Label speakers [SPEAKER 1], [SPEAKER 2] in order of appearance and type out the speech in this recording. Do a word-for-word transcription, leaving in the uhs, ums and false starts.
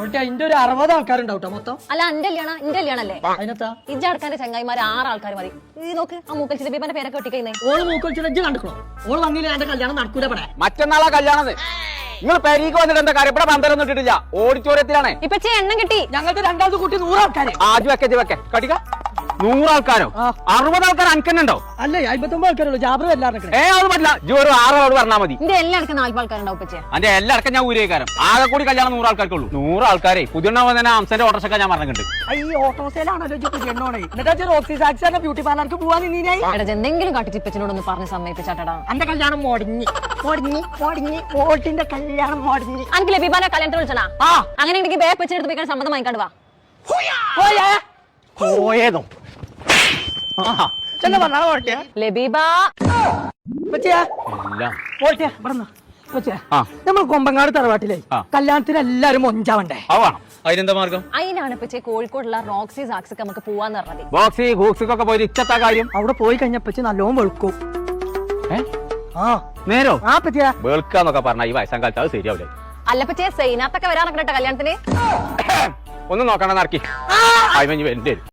[SPEAKER 1] അതിന്റെ ഒരു അറുപത് ആൾക്കാരുണ്ടാവും മൊത്തം.
[SPEAKER 2] അല്ല എന്റെ കല്യാണം എന്റെ കല്യാണല്ലേ
[SPEAKER 1] അതിനകത്താ
[SPEAKER 2] ഇജ്ജടക്കാന്റെ ചങ്ങായിമാർ ആറ് ആൾക്കാർ മതി. ഈ നോക്ക് ആ മൂക്കൽ ലബീബാന്റെ പേരൊക്കെ ഒട്ടിക്കുന്നേ.
[SPEAKER 1] ഓള് മൂക്കൊലിച്ചിട്ട് ഇജ്ജ് കണ്ടിക്കണോ? ഓള് വന്നില്ല എന്റെ കല്യാണം നടക്കൂല പടേ.
[SPEAKER 3] മറ്റന്നാളാ കല്യാണം. നിങ്ങൾ പെരീക്ക് വന്നിട്ട് എന്താ കാര്യം? ഇവിടെ പന്തലൊന്നും ഇട്ടിട്ടില്ല, ഓഡിറ്റോറിയത്തിലാണ്.
[SPEAKER 2] ഇപ്പൊ എണ്ണം കിട്ടി.
[SPEAKER 1] ഞങ്ങൾക്ക് രണ്ടാമത് കൂട്ടി നൂറാൾക്കാര്.
[SPEAKER 3] ആദ്യം വെക്കേ വെക്കേ കടിക്ക. നൂറാൾക്കാരോ? അറുപത് ആൾക്കാർ അനക്കന്നുണ്ടോ?
[SPEAKER 1] അല്ലേ അമ്പത്തൊമ്പത് ആൾക്കാരുള്ളൂ. ജാബർ എല്ലാവരും
[SPEAKER 3] ഏ അത് പറ്റില്ല. ജി ഒരു ആറോട് പറഞ്ഞാൽ മതി.
[SPEAKER 2] എന്റെ എല്ലാവർക്കും നാല് ആൾക്കാരുണ്ടാവും. പച്ചേ
[SPEAKER 3] അന്റെ എല്ലാവർക്കും ഞാൻ ഊരേക്കാരം. ആകെ കൂടി കല്യാണം നൂറാൾക്കാർക്കുള്ളൂ. നൂറാൾക്കാരെ പുതിയ തന്നെ അംസന്റെ ഓട്ടർഷൊക്കെ ഞാൻ പറഞ്ഞിട്ടുണ്ട്.
[SPEAKER 1] ഈ ഓട്ടോസേലാണല്ലോ എണ്ണോണേ. എന്നിട്ട് റോക്സി സാക്സിന്റെ ബ്യൂട്ടി പാർലർക്ക് പോവാൻ നിന്നീനായി.
[SPEAKER 2] എന്തെങ്കിലും കാട്ടിച്ചിപ്പച്ചനോടൊന്ന് പറഞ്ഞ് സമ്മതിപ്പിച്ചാട്ടാ.
[SPEAKER 1] എന്റെ കല്യാണം മോടിഞ്ഞി മോടിഞ്ഞി മോടിഞ്ഞി ഓട്ടിന്റെ കല്യാണം മോടിഞ്ഞി.
[SPEAKER 2] അനക്ക് ലബീബാനെ കല്യാണത്തിന് വിളിച്ചണാ?
[SPEAKER 1] ആ
[SPEAKER 2] അങ്ങനെ ഉണ്ടെങ്കിൽ ബേ വെച്ചെടുത്ത് പോയിക്കാൻ സമ്മതം വാങ്ങിക്കാണ്ട് വാ.
[SPEAKER 3] പോയേതോ
[SPEAKER 1] ചെന്ന പറഞ്ഞാ ഓട്ടിയ
[SPEAKER 2] ലബീബാ
[SPEAKER 1] പറ്റിയാ
[SPEAKER 3] എല്ലാം
[SPEAKER 1] ഓട്ടിയ പറഞ്ഞ പറ്റിയാ. നമ്മൾ കൊമ്പങ്ങാട് തറവാട്ടിലെ കല്യാണത്തിന് എല്ലാരും മൊഞ്ചാവണ്ടേ?
[SPEAKER 3] ആവാണം. അതിനെന്താ മാർഗം?
[SPEAKER 2] അതിനാണ് പച്ചേ കോഴിക്കോടുള്ള റോക്സി സാക്സിക്ക് നമുക്ക് പോവാന്ന് പറഞ്ഞത്.
[SPEAKER 3] ബോക്സി ഹൂക്സിക്കൊക്കെ പോയി ഇച്ചത്താ കാര്യം.
[SPEAKER 1] അവിടെ പോയി കഴിഞ്ഞപ്പോ നല്ലോണം വെളുക്കും. ആ
[SPEAKER 3] നേരോ?
[SPEAKER 1] ആ പറ്റിയാ
[SPEAKER 3] വെളുക്കാന്നൊക്കെ പറഞ്ഞ ഈ വയസ്സാം കാലത്ത് അത് ശരിയാവില്ലേ?
[SPEAKER 2] അല്ല പച്ചേ സൈനാത്തൊക്കെ വരാനൊക്കെ കല്യാണത്തിന്
[SPEAKER 3] ഒന്നും നോക്കണ്ട നടക്കി.